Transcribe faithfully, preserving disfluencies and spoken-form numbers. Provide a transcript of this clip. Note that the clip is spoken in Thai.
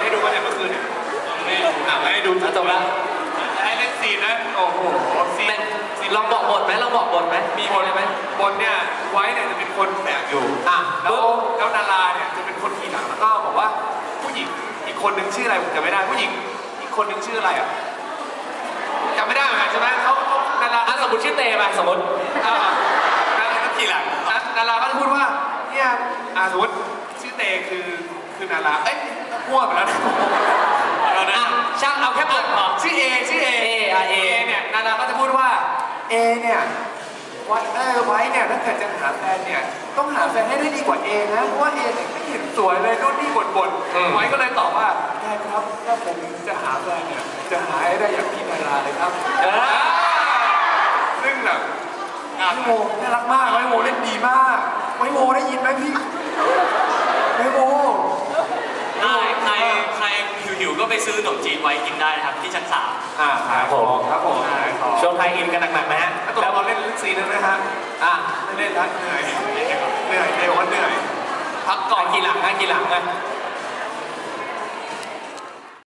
ให้ดูว่าเนี่ยเมื่อคืนเนี่ยไม่อ่ะให้ดูจบแล้วให้เล่นซีนนะโอ้โหซีนซีนลองบอกบทไหมลองบอกบทไหมมีบทไหมบทเนี่ยไว้เนี่ยจะเป็นคนแบกอยู่อ่ะแล้วแล้วนาราเนี่ยจะเป็นคนขี่หลังแล้วก็บอกว่าผู้หญิงอีกคนหนึ่งชื่ออะไรผมจำไม่ได้ผู้หญิงอีกคนหนึ่งชื่ออะไรอ่ะจำไม่ได้เหมือนกันใช่ไหมเขานาราสมมติชื่อเตไปสมมติอ่านาราก็ขี่หลังนาราก็จะพูดว่าเนี่ยอ่าสมมติชื่อเตคือคือนาราเอ้ยมั่วไปแล้วนะช่างเอาแค่บทพอชื่อเอชื่อเอเอเอเนี่ยนาราก็จะพูดว่าเอเนี่ยไว้เออไว้เนี่ยถ้าเกิดจะหาแฟนเนี่ยต้องหาแฟนให้ได้ดีกว่าเอนะเพราะว่าเอเนี่ยไม่เห็นสวยเลยนู่นนี่บ่นๆไว้ก็เลยตอบว่าได้ครับถ้าผมจะหาแฟนเนี่ยจะหาให้ได้อย่างพี่นาราเลยครับซึ่งแบบไวโมน่ารักมากไวโมเล่นดีมากไวโมได้ยินไหมพี่ไวโมใครใครใครหิวๆก็ไปซื้อขนมจีนไว้กินได้นะครับที่ชั้นสามอ่าครับผมครับผมช่วงไทยอินกันหนักๆนะฮะแล้วเราเล่นซีนนั้นนะฮะอ่ะไม่เล่นนะเหนื่อยเหนื่อยเหนื่อยบอกว่าเหนื่อยพักก่อนกี่หลังนะกี่หลังนะ